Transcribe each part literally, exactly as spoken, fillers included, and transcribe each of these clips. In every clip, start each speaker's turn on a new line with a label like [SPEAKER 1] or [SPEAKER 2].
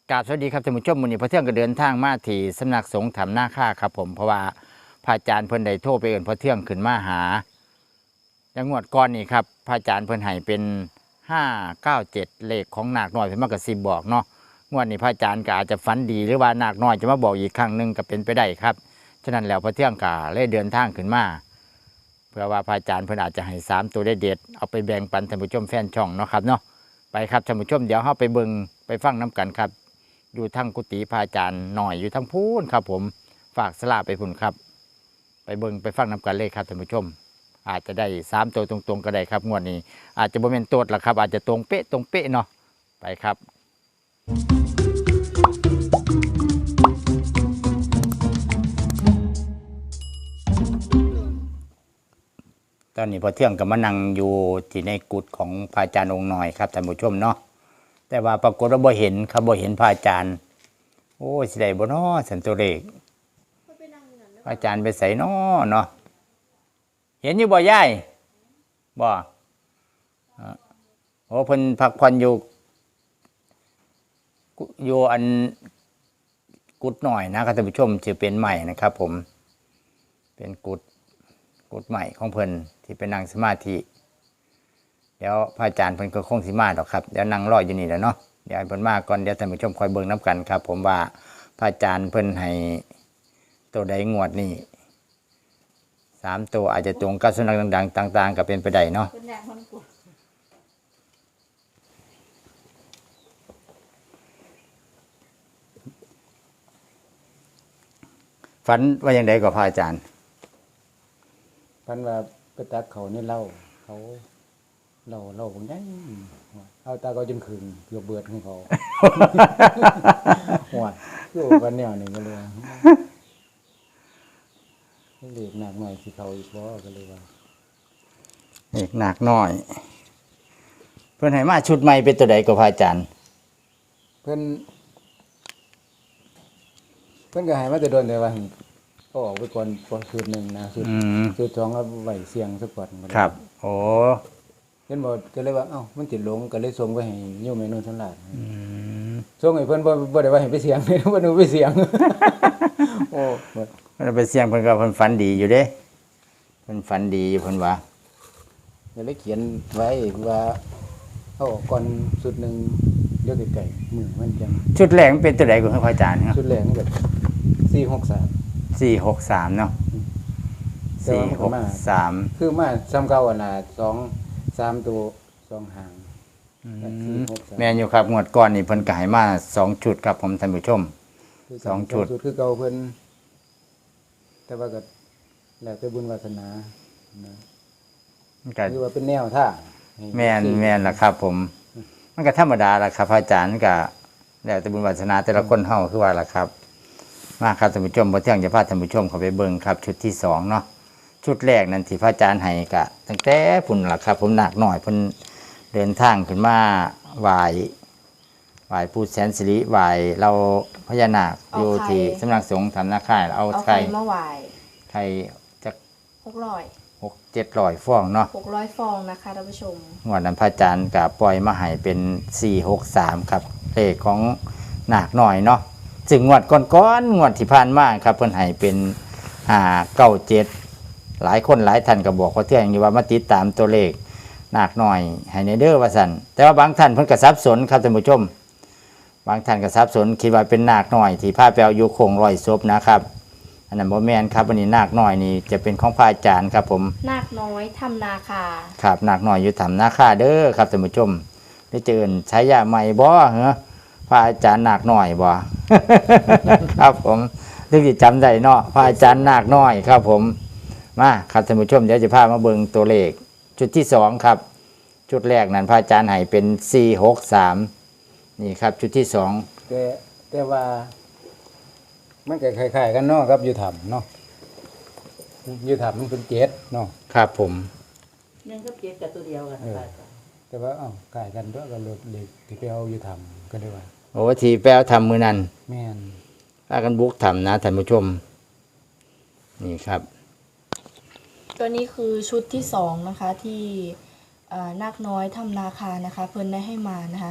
[SPEAKER 1] กราบสวัสดีครับท่านผู้ชมมื้อนี้พระเที่ยงก็เดินทางมาที่สำนักสงฆ์ถ้ำนาคาครับผมเพราะว่าพระอาจารย์เพิ่นได้โทรไปเอิ้นพระเที่ยงขึ้นมาหาจังหวัดก่อนนี่ครับพระอาจารย์เพิ่นให้เป็นห้าเก้าเจ็ดเลขของนาคน้อยเพิ่นมากระซิบบอกเนาะงวดนี้พระอาจารย์ก็อาจจะฝันดีหรือว่านาคน้อยจะมาบอกอีกครั้งหนึงก็เป็นไปได้ครับฉะนั้นแล้วพระเที่ยงก็เลยเดินทางขึ้นมาเพื่อว่าพระอาจารย์เพิ่นอาจจะให้สามตัวได้เด็ดเอาไปแบ่งปันท่านผู้ชมแฟนช่องเนาะครับเนาะไปครับท่านผู้ชมเดี๋ยวเฮาไปเบิ่งไปฟังน้กันครับอยู่ทั้งกุฏิพระอาจารย์หน่อยอยู่ทั้งพูนครับผมฝากสลาไปพุ่นครับไปเบิ่งไปฟังน้กันเลยครับท่านผู้ชมอาจจะได้สามตัวตรงๆก็ได้ครับงวดนี้อาจจะบ่แม่นโตดหรอกครับอาจจะตรงเป๊ะตรงเป๊ะเนาะไปครับตอนนี้พอเที่ยงกับมานั่งอยู่ที่ในกุฏของพระอาจารย์องค์หน่อยครับท่านผู้ชมเนาะแต่ว่าปรากฏว่าบ่เห็นครับบ่เห็นพระอาจารย์โอ้สิได้บ่เนาะสันตัวเลขพระอาจารย์ไปใส่เนาะเนาะเห็นอยู่บ่ยายบ่โอ้เพิ่นพักผ่อนอยู่อยู่อันกุฏหน่อยนะครับท่านผู้ชมจะเป็นใหม่นะครับผมเป็นกุฏกุฏใหม่ของเพิ่นที่เป็นนั่งสมาธิเดี๋ยวพระอาจารย์เพิ่นก็คงสิมาดอกครับเดี๋ยวนั่งรออยู่นี่แหละเนาะเดี๋ยวเพิ่นมาก่อนเดี๋ยวท่านผู้ชมคอยเบิ่งน้ำกันครับผมว่าพระอาจารย์เพิ่นให้ตัวใดงวดนี่สามตัวอาจจะตรงกับสุนัขดังๆต่างๆก็เป็นไปได้เนาะฝันว่าอย่างไรกับพระอาจารย์
[SPEAKER 2] พันว่าไปตักเขานี่เล่าเขาเล่าเล่าผมยังเอาตาเขาจนคืนเกือบเบิดของเขาหัวอยู่กันแนวนี่ก็เลยเล็กหนักหน่อยสิเขาอีกบ่ก็เลยว่า
[SPEAKER 1] เล็กหนักหน่อยเพิ่นให้มาชุดใหม่เป็นตัวใดกับพระอาจารย์
[SPEAKER 2] เพิ่นเพิ่นก็ให้มาแต่โดนแต่ว่าก็ออกไปก่อนก่อนชุดหนึ่งนะชุดชุดสองก็ไหวเสียงสักก่อน
[SPEAKER 1] ครับโอ้
[SPEAKER 2] เห็นบ่ก็เลยว่าเอ้ามันติดลงก็เลยส่งไปให้โยมแม่นุ่นทั้งหลายส่งให้เพิ่นบ่บ่ได้ว่าให้ไปเสียงเลยบ่ได้ไปเสียงโอ้
[SPEAKER 1] มันไปเสียงเพิ่นก็เพิ่นฝันดีอยู่เด้เพิ่นฝันดีอยู่เพิ่นว่า
[SPEAKER 2] ก็เลยเขียนไว้ว่าเอาออกก่อนชุดนึงเดี๋ยวไกลๆมื้อมันจัง
[SPEAKER 1] ชุดแรกมันเป็นตัวใดของพระอาจารย์ครับ
[SPEAKER 2] ชุดแรกมันก็สี่หกสาม
[SPEAKER 1] สี่หกสามเนาะสี่หกสาม
[SPEAKER 2] คือมาซ้ำเก่าอันน่ะสอง สามตัวสองหาง
[SPEAKER 1] แม่นอยู่ครับงวดก่อนนี่เพิ่นก็ให้มาสองชุดครับผมท่านผู้ชมสองชุด
[SPEAKER 2] คือเก่าเพิ่นแต่ว่าก็แล้วแต่บุญวาสนานะคือว่าเป็นแนวท่า
[SPEAKER 1] แม่นแม่นล่ะครับผมมันก็ธรรมดาล่ะครับพระอาจารย์ก็แล้วแต่บุญวาสนาแต่ละคนเฮาคือว่าล่ะครับมาครับท่านผู้ชมบ่เที่ยงจะพาท่านผู้ชมเข้าไปเบิ่งครับชุดที่สองเนาะชุดแรกนั่นที่พระอาจารย์ให้ก็ตั้งแต่พุ่นล่ะครับผมหนักหน่อยเพิ่นเดินทางขึ้นมาไหว้ไหว้ปู่แสนสิริไหว้เราพญานาคอยู่ที่สำนักสงฆ์ถ้ำนาคาเอา
[SPEAKER 3] ไข่มาไหว้
[SPEAKER 1] ไข่จัก
[SPEAKER 3] หกร้อย
[SPEAKER 1] หก เจ็ดร้อยฟองเนาะ
[SPEAKER 3] หกร้อยฟองนะคะท่านผู้ชม
[SPEAKER 1] งวดนั้นพระอาจารย์ก็ปล่อยมาให้เป็นสี่หกสามครับเลขของหนักหน่อยเนาะซึ่งงวดก่อนๆงวดที่ผ่านมาครับเพิ่นให้เป็นห้าเก้าเจ็ดหลายคนหลายท่านก็บอกว่าเที่ยงอยู่ว่ามาติดตามตัวเลขหนักหน่อยให้ในเด้อว่าสั่นแต่ว่าบางท่านเพิ่นก็สับสนครับท่านผู้ชมบางท่านก็สับสนคิดว่าเป็นนาคน้อยที่พาไปเอาอยู่โคงร้อยศพนะครับอันนั้นบ่แม่นครับวันนี้นาคน้อยนี่จะเป็นของพระอาจารย์ครับผม
[SPEAKER 3] นาคน้อยถ้ำนาคา
[SPEAKER 1] ครับนาคน้อยอยู่ถ้ำนาคาเด้อครับท่านผู้ชมได้เจอใช้ยาใหม่บ่เหรอพระอาจารย์นาคน้อยบ่ ครับผมถึงจะจำได้เนาะพระอาจารย์นาคน้อยครับผมมาครับท่านผู้ชมเดี๋ยวจะพามาเบิ่งตัวเลขชุดที่สองครับชุดแรกนั้นพระอาจารย์ให้เป็นสี่หกสามนี่ครับชุดที่สอง
[SPEAKER 2] แต่แต่ว่ามันก็คล้ายๆกันเนาะครับอยู่ถ้ำเนาะอยู่ถ้ำมันเป็นเจ็ดเนาะ
[SPEAKER 1] ครับผม
[SPEAKER 4] ยังก็เจ็ดกับตัวเดียวกัน
[SPEAKER 2] แต่ว่าเอ้าคล้ายกันด้วยก็เลยเด็กที่ไปเอาอยู่ถ้ำก็ได้ว่า
[SPEAKER 1] โอ้ที่แปลทำมือนั้น
[SPEAKER 2] แม่น
[SPEAKER 1] พากันบุกทำนะท่านผู้ชมนี่ครับ
[SPEAKER 3] ตัวนี้คือชุดที่สองนะคะที่นาคน้อยถ้ำนาคานะคะเพิ่นได้ให้มานะคะ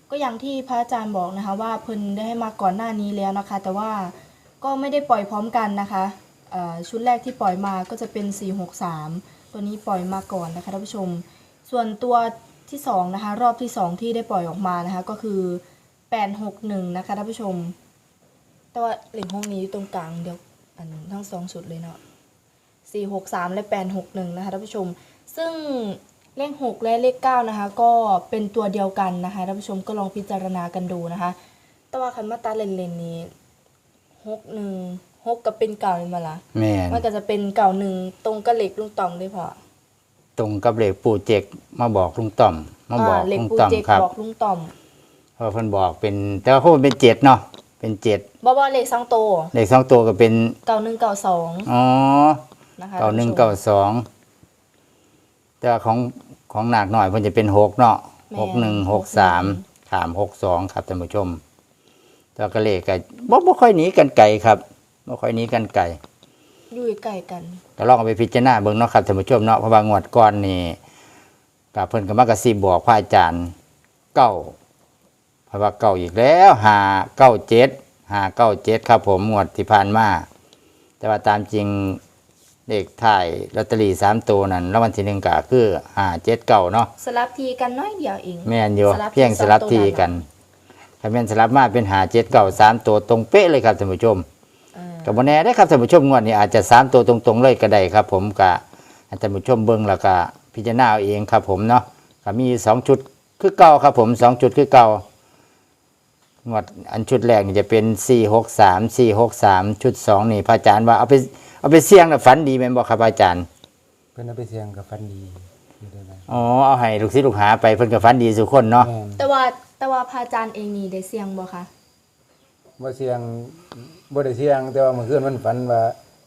[SPEAKER 3] ก็อย่างที่พระอาจารย์บอกนะคะว่าเพิ่นได้ให้มาก่อนหน้านี้แล้วนะคะ แต่ว่าก็ไม่ได้ปล่อยพร้อมกันนะคะเอ่อชุดแรกที่ปล่อยมาก็จะเป็นสี่หกสามตัวนี้ปล่อยมาก่อนนะคะท่านผู้ชมส่วนตัวที่สองนะคะรอบที่สองที่ได้ปล่อยออกมานะคะก็คือแปดหกหนึ่งนะคะท่านผู้ชมแต่ว่าเหล็กห้องนี้อยู่ตรงกลางเดียวอันทั้งสองชุดเลยเนาะสี่หกสามและแปดหกหนึ่งนะคะท่านผู้ชมซึ่งเลขหกและเลขเก้านะคะก็เป็นตัวเดียวกันนะคะท่านผู้ชมก็ลองพิจารณากันดูนะคะแต่ว่าคันมาตาเลนเลนนี้หกหนึ่งหกกับเป็นเก่าเลยมาละ
[SPEAKER 1] แม่น
[SPEAKER 3] มันก็จะเป็นเก่าหนึ่งตรงกับเหล็กลุงต่อมเลยพอ
[SPEAKER 1] ตรงกับเลขปู่เจกมาบอกลุงต่อมมาบอก
[SPEAKER 3] เหล็ก
[SPEAKER 1] ลุง
[SPEAKER 3] ปู
[SPEAKER 1] ต่อม
[SPEAKER 3] เจก
[SPEAKER 1] ครับ
[SPEAKER 3] บอกลุงต่อม
[SPEAKER 1] เพราะเพิ่นบอกเป็นแต่ว่าเขาเป็นเจ็ดเนาะเป็นเจ็ด
[SPEAKER 3] บ่บ่เหล็กสองโตว
[SPEAKER 1] เลขสองตัวก็เป็น
[SPEAKER 3] เก่าหนึ่งเก่าสอง
[SPEAKER 1] อ๋อ
[SPEAKER 3] นะคะ
[SPEAKER 1] เก้าหนึ่ง
[SPEAKER 3] ท่
[SPEAKER 1] เก้า
[SPEAKER 3] ผู้ชม
[SPEAKER 1] สองแต่ว่าของของหนักหน่อยเพิ่นจะเป็นหกเนาะ
[SPEAKER 3] แม่น
[SPEAKER 1] หกหนึ่งหกสามถามหกสองครับท่านผู้ชมแต่ว่าก็เลขก็บ่บ่ค่อยหนีกันไกลครับบ่ค่อยหนีกันไกล
[SPEAKER 3] อยู่ใกล้กัน
[SPEAKER 1] ก็ลองเอาไปพิจารณาเบิ่งเนาะครับท่านผู้ชมเนาะเพราะว่างวดก่อนนี่ก็เพิ่นก็มากระซิบบอกพระอาจารย์เก้าเพราะว่าเก้าอีกแล้วห้าเก้าเจ็ดห้าเก้าเจ็ดครับผมงวดที่ผ่านมาแต่ว่าตามจริงเลขท้ายลอตเตอรี่สามตัวนั่นรางวัลที่หนึ่งก็คือห้าเจ็ดเก้าเนาะ
[SPEAKER 3] สลับทีกันน้อยเดียวเอง
[SPEAKER 1] แม่นอยู่
[SPEAKER 3] สลับ
[SPEAKER 1] เพียง
[SPEAKER 3] ที่
[SPEAKER 1] สลับ
[SPEAKER 3] สามตัว
[SPEAKER 1] ที
[SPEAKER 3] นั่น
[SPEAKER 1] กันถ้าแม่นสลับมาเป็นห้าเจ็ดเก้าสามตัวตรงเป๊ะเลยครับท่านผู้ชม
[SPEAKER 3] อ่า
[SPEAKER 1] กับโมแน่ได้อครับท่านผู้ชมงวดนี้อาจจะสามตัวตรงๆเลยก็ได้ครับ ผมกะท่านผู้ชมเบิ้งแล้วก็พิจารณาเอาเองครับผมเนาะก็มีสองชุดคือเก่าครับผมสองชุดคือเก่างวดอันชุดแรกนี่จะเป็นสี่หกสามสี่หกสามชุดสองนี่พระอาจารย์ว่าเอาไปเอาไปเสี่ยงแล้วฝันดีแม่นบ่ครับอาจารย์
[SPEAKER 2] เพิ่นเอาไปเสียงกับฟันดีอยู่ได้ไหม
[SPEAKER 1] อ๋อเอาให้ลูกศิษย์ลูกหาไปเพิ่นก็ฝันดีสุกคนเนาะ
[SPEAKER 2] แม่น
[SPEAKER 3] แต่ว่าแต่ว่าพระอาจารย์เองนี่ได้เสียงบ่คะ
[SPEAKER 2] บ่เสียงบ่ได้เสียง แต่ว่าเมื่อคืนมันฝันว่า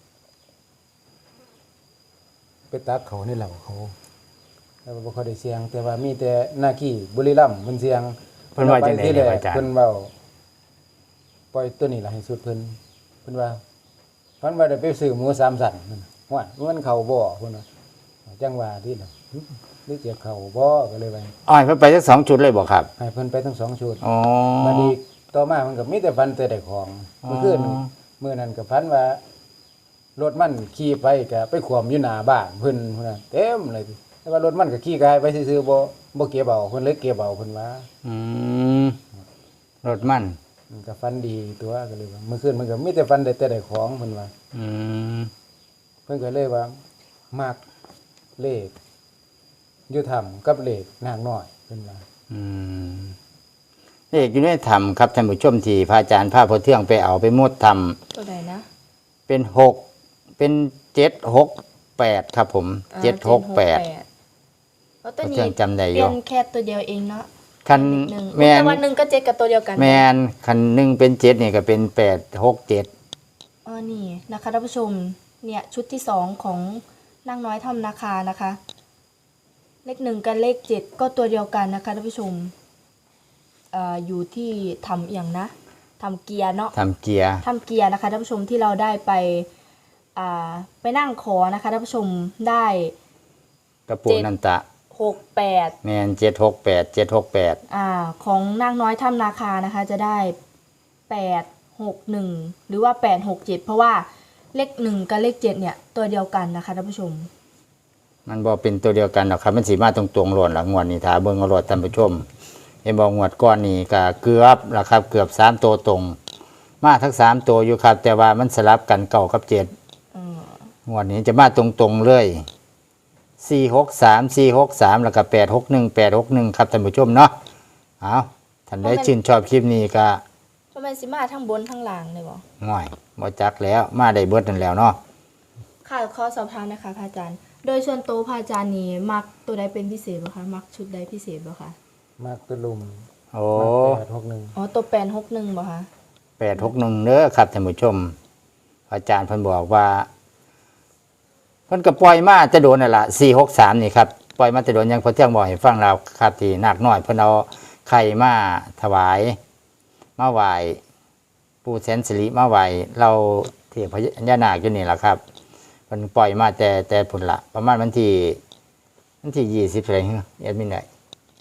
[SPEAKER 2] ไปตักเขาในเหล่าเขาแต่ว่าบ่ค่อยได้เสียง แต่ว่ามีแต่หน้าขี้บุรีรัมย์เพิ่นเสียง
[SPEAKER 1] เพิ่นว่าจังได๋
[SPEAKER 2] ที่
[SPEAKER 1] เนี่ย
[SPEAKER 2] แร
[SPEAKER 1] พระ
[SPEAKER 2] ก
[SPEAKER 1] อาจารย์
[SPEAKER 2] เพิ่นเว้าปล่อยตัวนี้ล่ะให้สุดเพิ่นเพิ่นว่าเพิ่นว่าได้ไปซื้อหมูสามสันนั่นว่ามันเข้าบ่เพิ่นว่าจังว่าที่น่ะหรือจะเข้าบ่ก็เลยว่า
[SPEAKER 1] อ๋อให้เพิ่นไปสักสองชุดเลยบ่ครับ
[SPEAKER 2] ให้เพิ่นไปทั้งสองชุด
[SPEAKER 1] อ๋อ
[SPEAKER 2] บัดนี้ต่อมามันก็มีแต่ฟันแต่ได้ของ
[SPEAKER 1] อ๋อ
[SPEAKER 2] เมื่อคืนมื้อนั้นก็พันว่ารถมันขี่ไปก็ไปขวมอยู่หน้าบ้านเพิ่นพุ่นน่ะเต็มเลยแต่ว่ารถมันก็ขี่กายไปซื่อๆบ่บ่เก็บเอาเพิ่นเลยเก็บเอาเพิ่นว่า
[SPEAKER 1] อืมรถมัน
[SPEAKER 2] มันก็ฟันดีตัวก็เลยว่าเมื่อคืนมันก็มีแต่ฟันได้แต่ได้ของเพิ่นว่า
[SPEAKER 1] อืม
[SPEAKER 2] เพิ่นก็เลยว่ามักเลขอยู่ถ้ำกับเลขนางน้อยเพิ่นว่า
[SPEAKER 1] อืมเลขอยู่ในธรรมครับท่านผู้ชมที่พระอาจารย์พาพอเที่ยงไปเอาไปมดธรรม
[SPEAKER 3] ตัวใดนะ
[SPEAKER 1] เป็นหกเป็นเจ็ดหกแปดครับผม
[SPEAKER 3] อ่า
[SPEAKER 1] เจ็ดหกแปด
[SPEAKER 3] แล้วตัว
[SPEAKER 1] พอ
[SPEAKER 3] นี้
[SPEAKER 1] เที่ยงจำได้อ
[SPEAKER 3] เปลี่
[SPEAKER 1] ยู่
[SPEAKER 3] ยนแค่ตัวเดียวเองเนาะ
[SPEAKER 1] คัน
[SPEAKER 3] หนึ่ง
[SPEAKER 1] แมน
[SPEAKER 3] แต่ว่าหนึ่งก็เจ็ดกับตัวเดียวกัน
[SPEAKER 1] แมนคันหนึ่งเป็นเจ็ดเนี่ยก็เป็นแปดหกเจ็ด
[SPEAKER 3] อ๋อนี่นะคะท่านผู้ชมเนี่ยชุดที่สองของนางน้อยทำนาคานะคะ เลขหนึ่งกับเลขเจ็ดก็ตัวเดียวกันนะคะท่านผู้ชมเอ่ออยู่ที่ทำอย่างนะทำเกียร์เนาะ
[SPEAKER 1] ทำเกียร์
[SPEAKER 3] ทำเกียร์นะคะท่านผู้ชมที่เราได้ไปอ่าไปนั่งขอนะคะท่านผู้ชมได้
[SPEAKER 1] กระปุกนันตะ
[SPEAKER 3] หกแปด
[SPEAKER 1] แมนเจ็ดหกแปดเจ็ดหกแปด
[SPEAKER 3] อ่าของนางน้อยถ้ำนาคานะคะ จะได้แปดหกหนึ่งหรือว่าแปดหกเจ็ดเพราะว่าเลขหนึ่งกับเลขเจ็ดเนี่ยตัวเดียวกันนะคะท่านผู้ชม
[SPEAKER 1] มันบอกเป็นตัวเดียวกันหรอกครับมันสีมาตรงๆหล่นหลังงวดนี่ถาเบิ้งเอาโลดท่านผู้ชมเห็นบอกงวดก้อนนี่ก็เกือบละครับ เกือบสามตัวตรง มาทั้งสามตัวอยู่ครับ แต่ว่ามันสลับกันเก่ากับเจ็ด
[SPEAKER 3] อืม
[SPEAKER 1] งวดนี้จะมาตรงๆเลยสี่หกสามสี่หกสามแล้วก็แปดหกหนึ่งแปดหกหนึ่งครับท่านผู้ชมเนาะเอาท่านได้ชื่นชอบคลิปนี้ก็
[SPEAKER 3] ทำไมสิมาทั้งบนทั้งล่างเลยบอ
[SPEAKER 1] ง่อยบ่จักแล้วมาได้เบิดนั่นแล้วเนาะ
[SPEAKER 3] ค่ะขอสอบถามนะคะพระอาจารย์ โดยส่วนตัวพระอาจารย์นี่มักตัวใดเป็นพิเศษบ่คะมักชุดใดพิเศษบ่คะ
[SPEAKER 2] มากตะลุม
[SPEAKER 1] โอ้
[SPEAKER 2] มากแปดหกหนึ่ง
[SPEAKER 3] อ๋อตัวแปดหกหนึ่งบ่คะ
[SPEAKER 1] แปดหกหนึ่งเด้อครับท่านผู้ชม อาจารย์เพิ่นบอกว่าเพิ่นก็ปล่อยมาจะโดนนั่นล่ะสี่หกสามนี่ครับปล่อยมาจะโดนยังพอเที่ยงบอกให้ฟังเราครับที่นาคน้อยเพิ่นเอาไข่มาถวายมาไหว้ปู่แสนสิริมาไหว้เราเทพญานาคอยู่นี่ล่ะครับเพิ่นปล่อยมาแต่แต่พุ่นละประมาณวันที่วันที่ยี่สิบอะไรเงี้ยแอดมินได้
[SPEAKER 3] จ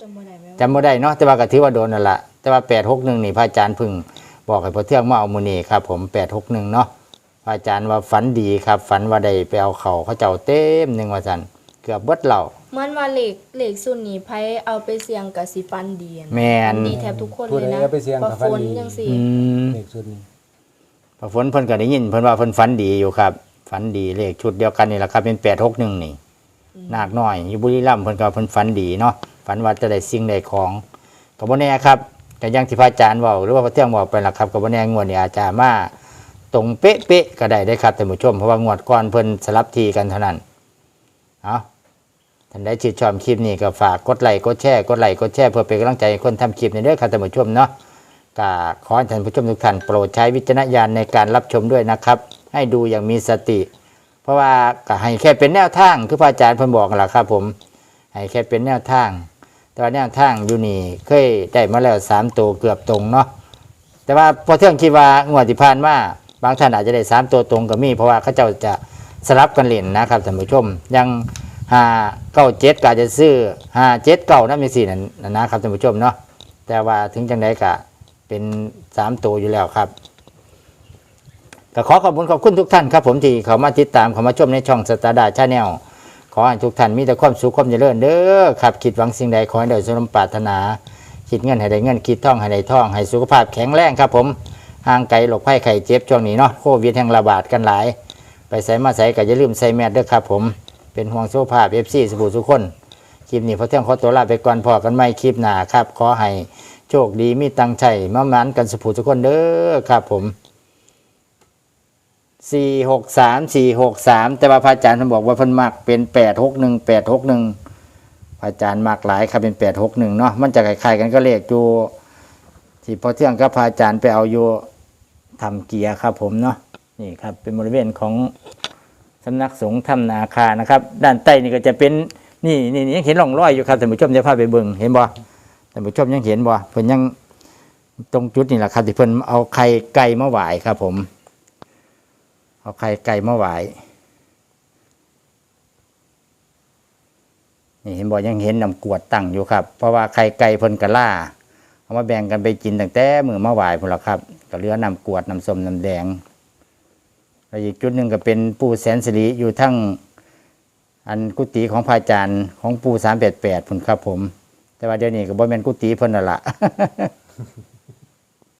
[SPEAKER 3] ำบ่ได้ไหม
[SPEAKER 1] จำบ่ได้เนาะแต่ว่าก็ถือว่าโดนนั่นล่ะแต่ว่าแปดหกหนึ่งนี่พระอาจารย์เพึ่งบอกให้พอเที่ยงมาเอามื้อนี้ครับผมแปดหกหนึ่งเนาะพระอาจารย์ว่าฝันดีครับ ฝันว่าได้ไปเอาเขาเขาเจ้าเต็มหนึงว่าซั่นเกือบเบิดเหล่า
[SPEAKER 3] มันว่าเหล็กเหล็กส่วนนี้ไผเอาไปเสี่ยงกับสิฟันดีอะ
[SPEAKER 1] แม่น
[SPEAKER 3] ดีแทบทุกคน
[SPEAKER 2] ผู้
[SPEAKER 3] เลย
[SPEAKER 2] ใด
[SPEAKER 3] นะ
[SPEAKER 2] เอาไปเสี่ยง
[SPEAKER 3] ป
[SPEAKER 2] กั
[SPEAKER 3] ระ
[SPEAKER 2] บฟัน
[SPEAKER 3] ฝน
[SPEAKER 2] ดี
[SPEAKER 3] จังซี่
[SPEAKER 1] อืม
[SPEAKER 2] เลขชุดนี้
[SPEAKER 1] พอฝนเพิ่นก็ได้ยินเพิ่นว่าเพิ่นฝันดีอยู่ครับฝันดีเลขชุดเดียวกันนี่แหละครับเป็นแปดหกหนึ่งนี่นาคน้อยอยู่บุรีรัมย์เพิ่นก็เพิ่นฝันดีเนาะฝันว่าจะได้สิ่งใดของก็บ่แน่ครับก็อย่างที่พระอาจารย์เว้าหรือว่าพระเที่ยงบอกไปล่ะครับก็บ่แน่งวดนี้อาจจะมาตรงเป๊ะๆก็ได้ได้ครับท่านผู้ชมเพราะว่างวดก่อนเพิ่นสลับทีกันเท่านั้นเอาท่านใดชื่นชอบคลิปนี้ก็ฝากกดไลค์กดแชร์กดไลค์กดแชร์เพื่อเป็นกำลังใจให้คนทำคลิปในเด้อครับท่านผู้ชมเนาะ ก็ขอให้ท่านผู้ชมทุกท่านโปรดใช้วิจารณญาณในการรับชมด้วยนะครับ ให้ดูอย่างมีสติ เพราะว่าก็ให้แค่เป็นแนวทางคือพระอาจารย์เพิ่นบอกนั่นแหละครับผมให้แค่เป็นแนวทาง แต่ว่าแนวทางอยู่นี่เคยได้มาแล้วสามตัวเกือบตรงเนาะแต่ว่าพอเที่ยงคิดว่างวดที่ผ่านมาบางท่านอาจจะได้สามตัวตรงก็มีเพราะว่าเขาเจ้าจะสลับกันเล่นนะครับท่านผู้ชมยังห้าเก้าเจ็ดก็อาจจะซื้อห้าเจ็ดเก้านั่นเป็นสี่นั่นนะครับท่านผู้ชมเนาะแต่ว่าถึงจังไดก็เป็นสามตัวอยู่แล้วครับก็ขอขอบคุณขอบคุณทุกท่านครับผมที่เขามาติดตามเขามาชมในช่องสตาร์ดาชาแนลขอให้ทุกท่านมีแต่ความสุขความเจริญเด้อครับคิดหวังสิ่งใดขอให้ได้สมปรารถนาคิดเงินให้ได้เงินคิดท่องให้ได้ท่องให้สุขภาพแข็งแรงครับผมห่างไกลโรคภัยไข้เจ็บช่วงนี้เนาะโควิดแห่งระบาดกันหลายไปใส่มาใส่ก็อย่าลืมใส่แมสด้วยครับผมเป็นห่วงสุขภาพ เอฟ ซี สบู่ทุกคนคลิปนี้พอเที่ยงขอตัวลาไปก่อนพอกันใหม่คลิปหน้าครับขอให้โชคดีมีตังใจมามันกันสุภูทุกคนเด้อครับผมสี่หกสามสี่หกสามแต่ว่าพระอาจารย์ท่านบอกว่าเพิ่นมักเป็นแปดหกหนึ่งแปดหกหนึ่งพระอาจารย์มักหลายครับเป็นแปดหกหนึ่งเนาะมันจะคล้ายๆกันก็เลขอยู่ที่พอเที่ยงกับพระอาจารย์ไปเอาอยู่ทำเกียร์ครับผมเนาะนี่ครับเป็นบริเวณของสำนักสงฆ์ถ้ำนาคานะครับด้านใต้นี่ก็จะเป็นนี่นี่ยังเห็นร่องรอยอยู่ครับท่านผู้ชมจะพาไปเบิ่งเห็นบ่ท่านผู้ชมยังเห็นบ่เพิ่นยังตรงจุดนี่แหละครับที่เพิ่นเอาไข่ไก่มาไหว้ครับผมเอาไข่ไก่มาไหว้นี่เห็นบ่ยังเห็นน้ำกรวดตั้งอยู่ครับเพราะว่าไข่ไก่เพิ่นกะล่าเอามาแบ่งกันไปกินตั้งแต่มื้อมาไหว้พุ่นล่ะครับก็เหลือน้ำกรวดน้ำส้มน้ำแดงแล้วอีกจุดหนึ่งก็เป็นปู่แสนสิริอยู่ทั้งอันกุฏิของพระอาจารย์ของปู่สามแปดแปดพุ่นครับผมแต่ว่าเดี๋ยวนี้ก็บ่แม่นกุฏิเพิ่นนั่นล่ะ